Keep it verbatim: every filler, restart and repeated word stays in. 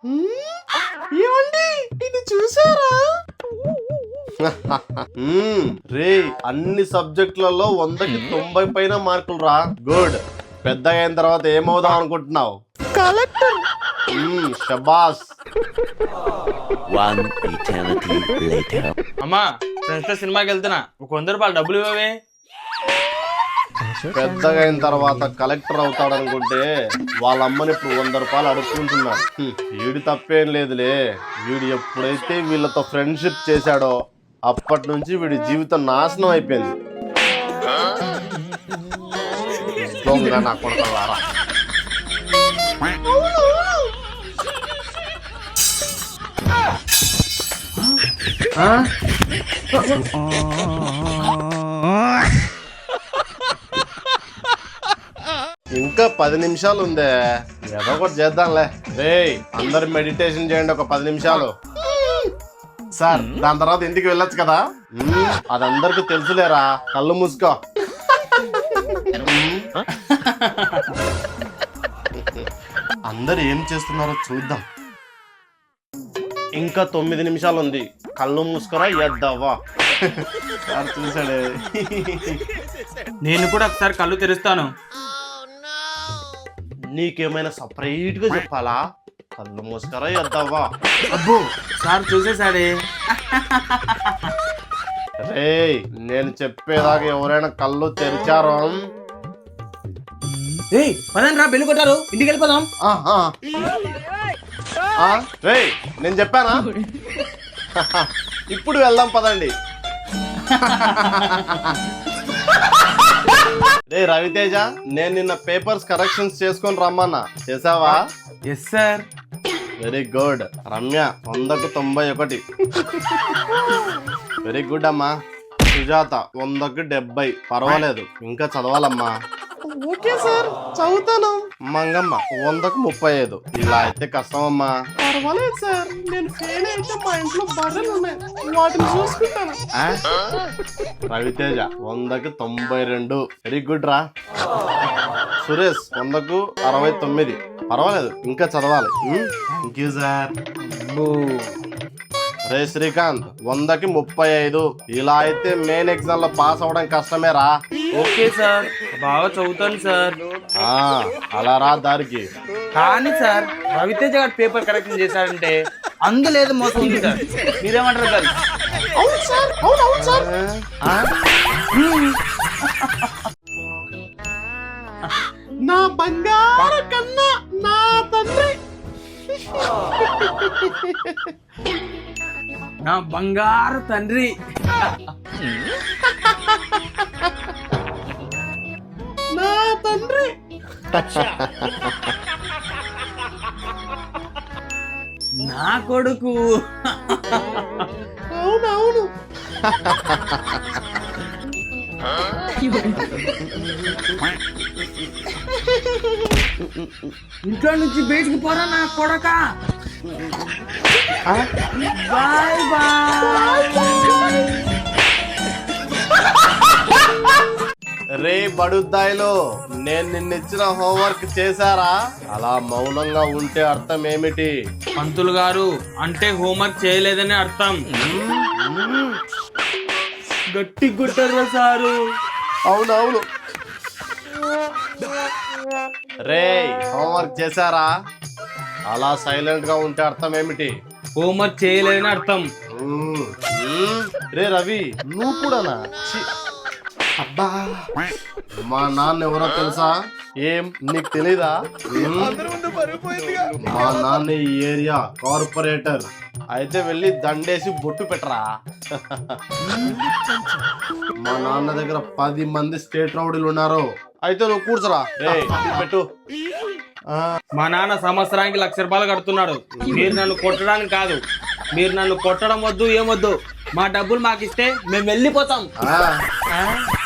ఏమండి ఇది చూసారా? రే అన్ని సబ్జెక్టులలో వందకి తొంభై పైన మార్కులు రా. గుడ్. పెద్దగా అయిన తర్వాత ఏమవుదాం అనుకుంటున్నావు? కలెక్టర్. షబాస్. అమ్మా ఫ్రెండ్స్ తో సినిమాకి వెళ్తున్నా, ఒక వంద రూపాయలు డబ్బులు ఇవ్వవే. పెద్దగా అయిన తర్వాత కలెక్టర్ అవుతాడు అనుకుంటే వాళ్ళ అమ్మని ఇప్పుడు వంద రూపాయలు అడుక్కుంటున్నాడు. వీడి తప్పేం లేదులే. వీడు ఎప్పుడైతే వీళ్ళతో ఫ్రెండ్షిప్ చేశాడో అప్పటి నుంచి వీడి జీవితం నాశనం అయిపోయింది. నా కొడుకులారా. ఇంకా పది నిమిషాలు ఉందే, ఏదో ఒకటి చేద్దాంలే. రే అందరు మెడిటేషన్ చేయండి ఒక పది నిమిషాలు. సార్ దాని తర్వాత ఇంటికి వెళ్ళొచ్చు కదా? అది అందరికి తెలుసులేరా, కళ్ళు మూసుకో. అందరు ఏం చేస్తున్నారో చూద్దాం. ఇంకా తొమ్మిది నిమిషాలు ఉంది, కళ్ళు మూసుకోరా ఎద్దావా. చూసాడే. నేను కూడా ఒకసారి కళ్ళు తెరుస్తాను. నీకేమైనా సపరేట్ గా చెప్పాలా? కళ్ళు మూసుకోరా ఎద్దావా. అబ్బో సార్ చూసేసాడే. రే నేను చెప్పేదాకా ఎవరైనా కళ్ళు తెరిచారో పదండి రా, బెల్లు కొట్టారు, ఇంటికి వెళ్ళిపోదాం. రే నేను చెప్పానా? ఇప్పుడు వెళ్దాం పదండి. రే రవితేజ, నేను నిన్న పేపర్స్ కరెక్షన్స్ చేసుకొని రమ్మన్నా, చేసావా? Yes sir. Very good. Ramya వందకు తొంభై ఒకటి. వెరీ గుడ్ అమ్మా. సుజాత వందకు డెబ్బై. పర్వాలేదు, ఇంకా చదవాలమ్మా. ఓకే సార్, చదువుతాను. మంగమ్మ వందకు ముప్పై ఐదు. ఇలా అయితే కష్టం అమ్మా. పర్వాలేదు సార్, నేను ఫెయిల్ అయితే మా ఇంట్లో బర్రెలు ఉన్నాయి, వాటిని చూసుకుంటాను. రవితేజ వందకు తొంభై రెండు. వెరీ గుడ్ రా. సురేష్ వందకు అరవై తొమ్మిది. పర్వాలేదు, ఇంకా చదవాలి. Thank you sir. రే శ్రీకాంత్ వందకి ముప్పై ఐదు. ఇలా అయితే మెయిన్ ఎగ్జామ్ లో పాస్ అవడం కష్టమే రా. ఓకే సార్, బాగా చదువుతాను సార్. అలా రా దారికి. కానీ సార్ రవితేజ గారు పేపర్ కరెక్షన్ చేశారంటే అందులేదు మోసం ఉంది సార్. మీరేమంటారు సార్? అవును సార్, అవును అవును సార్. నా బంగారు కన్నా నా తండ్రి. నా బంగారు తండ్రి. నా తండ్రి. నా కొడుకు. అవునవును. ఇంట్లో నుంచి బయటికి పోరా నా కొడక. Bye bye. రే బడుద్దాయిలో, నేను నిన్నిచ్చిన హోంవర్క్ చేశారా? అలా మౌనంగా ఉంటే అర్థం ఏమిటి? పంతులు గారు అంటే హోంవర్క్ చేయలేదని అర్థం. గట్టి కొట్టారా సారు? అవునవును. రే హోంవర్క్ చేశారా? అలా సైలెంట్ గా ఉంటే అర్థం ఏమిటి? హోంవర్క్ చేయలేదని అర్థం. రే రవి, నువ్వు కూడానా? అబ్బా, మా నాన్న ఎవరో తెలుసా? ఏం నీకు తెలీదా? మా నాన్న ఈ ఏరియా కార్పొరేటర్. అయితే వెళ్ళి దండేసి బొట్టు పెట్టరా. మా నాన్న దగ్గర పది మంది స్టేట్ రౌడీలు ఉన్నారు. అయితే నువ్వు కూర్చోరా. రే పెట్టు. మా నాన్న సంవత్సరానికి లక్ష రూపాయలు కడుతున్నాడు. మీరు నన్ను కొట్టడానికి కాదు, మీరు నన్ను కొట్టడం వద్దు, ఏమొద్దు. మా డబ్బులు మాకు ఇస్తే మేము వెళ్ళిపోతాం.